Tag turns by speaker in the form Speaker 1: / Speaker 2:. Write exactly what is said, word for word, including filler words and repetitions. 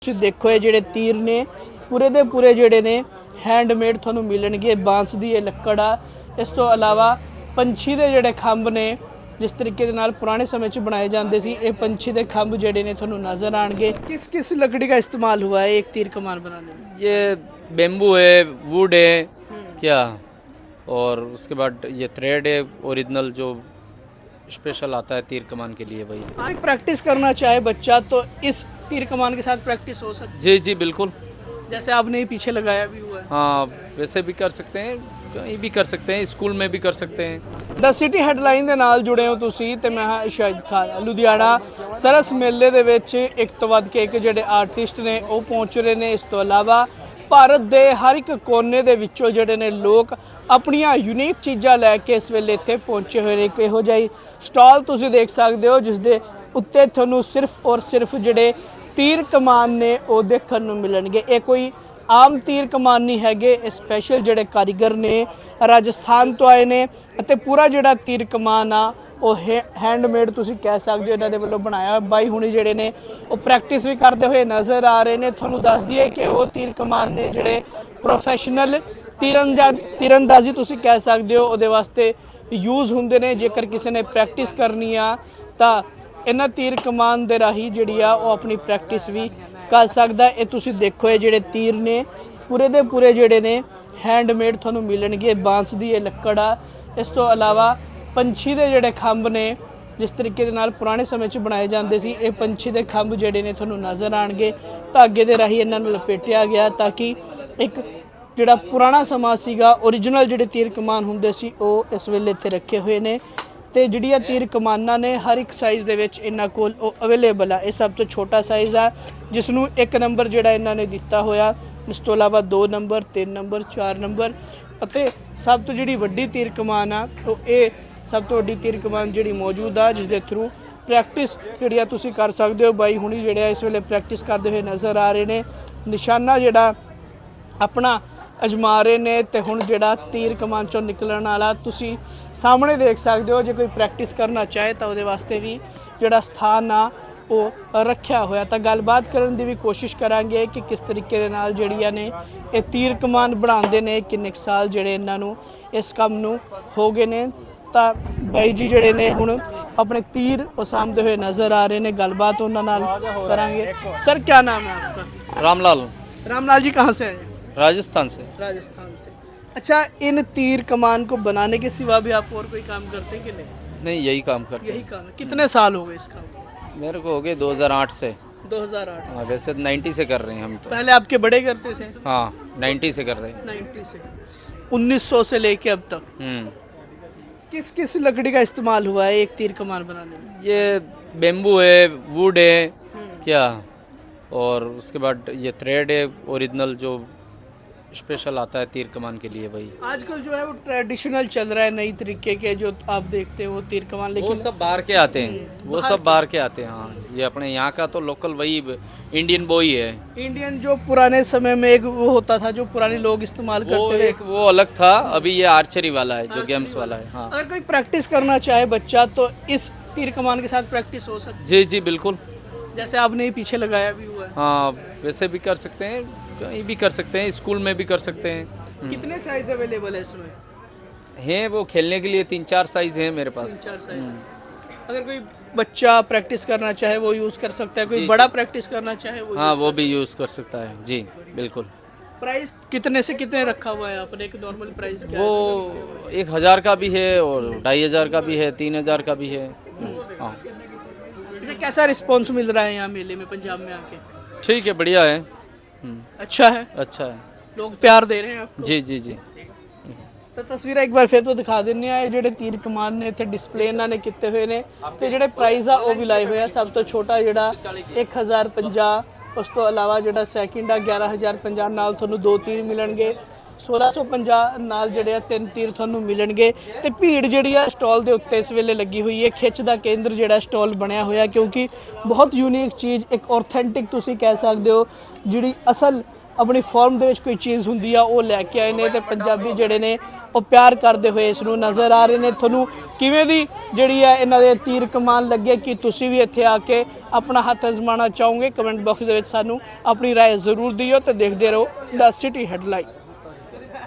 Speaker 1: ਤੁਸੀਂ ਦੇਖੋ ਇਹ ਜਿਹੜੇ ਤੀਰ ਨੇ ਪੂਰੇ ਦੇ ਪੂਰੇ ਜਿਹੜੇ ਨੇ ਹੈਂਡਮੇਡ ਤੁਹਾਨੂੰ ਮਿਲਣਗੇ। ਬਾਂਸ ਦੀ ਇਹ ਲੱਕੜ ਆ। ਇਸ ਤੋਂ ਇਲਾਵਾ ਪੰਛੀ ਦੇ ਜਿਹੜੇ ਖੰਭ ਨੇ जिस तरीके के नाल पुराने समय च बनाए जाते सी ये पंछी के खंभ जेडे ने थोनों नज़र आएंगे। किस किस लकड़ी का इस्तेमाल हुआ है एक तीर कमान बनाने में?
Speaker 2: ये बेम्बू है, वुड है क्या, और उसके बाद ये थ्रेड है ओरिजिनल जो स्पेशल आता है तीर कमान के लिए वही।
Speaker 1: हाँ, प्रैक्टिस करना चाहे बच्चा तो इस तीर कमान के साथ प्रैक्टिस हो सकती है।
Speaker 2: जी जी बिल्कुल,
Speaker 1: जैसे आपने पीछे लगाया भी हुआ है।
Speaker 2: हाँ वैसे भी कर सकते हैं, कहीं भी कर सकते हैं, स्कूल में भी कर सकते हैं।
Speaker 1: द सिटी ਹੈਡਲਾਈਨ ਦੇ ਨਾਲ ਜੁੜੇ ਹੋ ਤੁਸੀਂ ਤੇ ਮੈਂ ਹਾਂ ਸ਼ਾਹਿਦ ਖਾਨ। ਲੁਧਿਆਣਾ ਸਰਸ ਮੇਲੇ ਦੇ ਵਿੱਚ ਇੱਕ ਤੋਂ ਵੱਧ ਕੇ ਇੱਕ ਜਿਹੜੇ ਆਰਟਿਸਟ ਨੇ ਉਹ ਪਹੁੰਚ ਰਹੇ ਨੇ। ਇਸ ਤੋਂ ਇਲਾਵਾ ਭਾਰਤ ਦੇ ਹਰ ਇੱਕ ਕੋਨੇ ਦੇ ਵਿੱਚੋਂ ਜਿਹੜੇ ਨੇ ਲੋਕ ਆਪਣੀਆਂ ਯੂਨੀਕ ਚੀਜ਼ਾਂ ਲੈ ਕੇ ਇਸ ਵੇਲੇ ਇੱਥੇ ਪਹੁੰਚੇ ਹੋਏ ਨੇ। ਇੱਕ ਇਹੋ ਜਿਹਾ ਸਟਾਲ ਤੁਸੀਂ ਦੇਖ ਸਕਦੇ ਹੋ ਜਿਸ ਦੇ ਉੱਤੇ ਤੁਹਾਨੂੰ ਸਿਰਫ ਔਰ ਸਿਰਫ ਜਿਹੜੇ ਤੀਰ ਕਮਾਨ ਨੇ ਉਹ ਦੇਖਣ ਨੂੰ ਮਿਲਣਗੇ। ਇਹ ਕੋਈ ਆਮ तीर कमान नहीं है, स्पैशल जोड़े कारीगर ने राजस्थान तो आए ने अते पूरा जोड़ा तीर कमान आ वो हैंडमेड तुसीं कह सकते हो इन्हां दे वल्लों बनाया। बाई हुणी जिहड़े ने वो प्रैक्टिस भी करते हुए नज़र आ रहे हैं। तुहानूं दस दईए कि वो तीर कमान ने जिहड़े प्रोफैशनल तीरंजा तीरंदाजी तुसीं कह सकते हो उहदे वास्ते यूज़ हुंदे ने। जेकर किसी ने प्रैक्टिस करनी आ तां इन्हां तीर कमान दे राही जिहड़ी आ वो अपनी प्रैक्टिस भी कर सकदा। ये तुसीं देखो ये जिहड़े तीर ने पूरे दे पूरे जिहड़े ने हैंडमेड तुहानूं मिलणगे। बांस दी ये लक्कड़ आ। इस तो इलावा पंछी दे जिहड़े खंभ ने जिस तरीके दे नाल पुराने समय च बनाए जाते सी ये पंछी दे खंभ जिहड़े ने तुहानूं नज़र आउणगे। धागे दे राही इन्हां नूं लपेटिया गया ताकि एक जिहड़ा पुराना समा सीगा ओरिजिनल जिहड़े तीर कमान हुंदे सी वो इस वेले इत्थे रखे हुए ने। तो जिहड़ियां तीर कमाना ने हर एक साइज़ दे विच इन्हां कोल अवेलेबल है। ये सब तो छोटा साइज़ है जिसनूं एक नंबर जिहड़ा इन्हां ने दिता होया। इस तो इलावा दो नंबर, तीन नंबर, चार नंबर अते सब तो जिहड़ी वड्डी तीर कमान आ तो ये सब तो वड्डी तीर कमान जिहड़ी मौजूद आ जिस दे थ्रू प्रैक्टिस जिहड़ी आ तुसीं कर सकदे हो। बाई हुणी जिहड़े इस वेले प्रैक्टिस करदे हुए नज़र आ रहे ने। निशाना जिहड़ा अपना अजमा रहे ने ते हुण जिहड़ा तीर कमान चों निकलण वाला तुसीं सामने देख सकते हो। जे कोई प्रैक्टिस करना चाहे तो उहदे वास्ते भी जिहड़ा स्थान आ वो रखिया होया। तो गलबात करन दी भी कोशिश करांगे कि किस तरीके दे नाल जिहड़ियां ने ये तीर कमान बनाउंदे ने, किन्ने साल जिहड़े इन्हां नूं इस काम नूं हो गए ने। तो बाई जी जिहड़े ने हुण अपने तीर वो सामदे हुए नज़र आ रहे ने। गलबात उन्हां नाल करांगे। सर क्या नाम है आपका?
Speaker 2: रामलाल।
Speaker 1: रामलाल जी कहाँ से आए?
Speaker 2: राजस्थान से।
Speaker 1: राजस्थान से। अच्छा, इन तीर कमान को बनाने के सिवा भी आप और कोई काम करते हैं कि नहीं?
Speaker 2: नहीं यही काम करते
Speaker 1: यही
Speaker 2: हैं।
Speaker 1: काम है। कितने साल हो गए इस काम को?
Speaker 2: मेरे को हो गए दो हज़ार आठ से।
Speaker 1: दो हज़ार आठ से।
Speaker 2: हाँ वैसे नब्बे से कर रहे हैं हम तो।
Speaker 1: पहले आपके बड़े करते थे?
Speaker 2: हाँ नब्बे से कर रहे हैं।
Speaker 1: नब्बे से उन्नीस सौ से लेके अब तक
Speaker 2: हम्म
Speaker 1: किस किस लकड़ी का इस्तेमाल हुआ है एक तीर कमान बनाने में?
Speaker 2: ये बेम्बू है, वुड है क्या, और उसके बाद ये थ्रेड है ओरिजिनल जो स्पेशल आता है तीर कमान के लिए वही।
Speaker 1: आजकल जो है वो ट्रेडिशनल चल रहा है, नई तरीके के जो आप देखते हो तीर कमान, लेकिन
Speaker 2: वो सब बाहर के आते हैं, वो सब बाहर के आते हैं। हाँ ये अपने यहाँ का तो लोकल वही इंडियन बॉय है।
Speaker 1: इंडियन जो पुराने समय में एक वो होता था जो पुराने लोग इस्तेमाल
Speaker 2: वो
Speaker 1: करते थे,
Speaker 2: एक वो अलग था। अभी ये आर्चरी वाला है जो गेम्स वाला है। हाँ
Speaker 1: अगर कोई प्रैक्टिस करना चाहे बच्चा तो इस तीर कमान के साथ प्रैक्टिस हो सकती
Speaker 2: जी जी बिल्कुल,
Speaker 1: है। जैसे आपने पीछे लगाया भी हुआ है।
Speaker 2: हाँ वैसे भी कर सकते हैं, कहीं भी कर सकते हैं, स्कूल में भी कर सकते हैं।
Speaker 1: कितने साइज अवेलेबल है इसमें?
Speaker 2: हैं वो खेलने के लिए तीन चार साइज हैं मेरे पास।
Speaker 1: तीन चार साइज। अगर कोई बच्चा प्रैक्टिस करना चाहे वो यूज़ कर सकता है, कोई बड़ा प्रैक्टिस करना चाहे वो
Speaker 2: हाँ वो भी यूज़ कर सकता है। जी बिल्कुल।
Speaker 1: प्राइस कितने से कितने रखा हुआ है आपने? एक नॉर्मल प्राइस क्या है?
Speaker 2: वो एक हज़ार का भी है और ढाई हज़ार का भी है, तीन हज़ार का भी है। हाँ
Speaker 1: इसका कैसा रिस्पॉन्स मिल रहा है यहाँ मेले में पंजाब में आके?
Speaker 2: ठीक है, बढ़िया है।
Speaker 1: अच्छा है,
Speaker 2: अच्छा है,
Speaker 1: लोग प्यार दे रहे हैं आपको?
Speaker 2: जी जी जी।
Speaker 1: तो तस्वीर एक बार फिर तो दिखा देने आ ਜਿਹੜੇ तीर कमान ने इत्थे डिस्पले ਇਹਨਾਂ ਨੇ ਕੀਤੇ ਹੋਏ ਨੇ ਤੇ ਜਿਹੜੇ ਪ੍ਰਾਈਜ਼ ਆ ਉਹ ਵੀ ਲਾਏ ਹੋਏ ਆ। ਸਭ ਤੋਂ ਛੋਟਾ ਜਿਹੜਾ एक हज़ार पचास, ਉਸ ਤੋਂ ਇਲਾਵਾ ਜਿਹੜਾ ਸੈਕਿੰਡ ਆ ग्यारह हज़ार पचास ਨਾਲ ਤੁਹਾਨੂੰ ਦੋ ਤੀਰ ਮਿਲਣਗੇ। सोलह सौ पचास ਨਾਲ ਜਿਹੜੇ ਆ ਤਿੰਨ ਤੀਰ ਤੁਹਾਨੂੰ ਮਿਲਣਗੇ। ਤੇ ਭੀੜ ਜਿਹੜੀ ਆ ਸਟਾਲ ਦੇ ਉੱਤੇ ਇਸ ਵੇਲੇ ਲੱਗੀ ਹੋਈ ਹੈ। ਖਿੱਚ ਦਾ ਕੇਂਦਰ ਜਿਹੜਾ ਸਟਾਲ ਬਣਿਆ ਹੋਇਆ ਕਿਉਂਕਿ ਬਹੁਤ ਯੂਨੀਕ ਚੀਜ਼, ਇੱਕ ਆਥੈਂਟਿਕ ਤੁਸੀਂ ਕਹਿ ਸਕਦੇ ਹੋ ਜਿਹੜੀ ਅਸਲ ਆਪਣੀ ਫਾਰਮ ਦੇ ਵਿੱਚ ਕੋਈ ਚੀਜ਼ ਹੁੰਦੀ ਆ ਉਹ ਲੈ ਕੇ ਆਏ ਨੇ ਤੇ ਪੰਜਾਬੀ ਜਿਹੜੇ ਨੇ ਉਹ ਪਿਆਰ ਕਰਦੇ ਹੋਏ ਇਸ ਨੂੰ ਨਜ਼ਰ ਆ ਰਹੇ ਨੇ। ਤੁਹਾਨੂੰ ਕਿਵੇਂ ਦੀ ਜਿਹੜੀ ਹੈ ਇਹਨਾਂ ਦੇ ਤੀਰ ਕਮਾਨ ਲੱਗੇ ਕਿ ਤੁਸੀਂ ਵੀ ਇੱਥੇ ਆ ਕੇ ਆਪਣਾ ਹੱਥ ਅਜ਼ਮਾਉਣਾ ਚਾਹੋਗੇ? ਕਮੈਂਟ ਬਾਕਸ ਦੇ ਵਿੱਚ ਸਾਨੂੰ ਆਪਣੀ ਰਾਏ ਜ਼ਰੂਰ ਦਿਓ ਤੇ ਦੇਖਦੇ ਰਹੋ ਦ ਸਿਟੀ ਹੈਡਲਾਈਨ।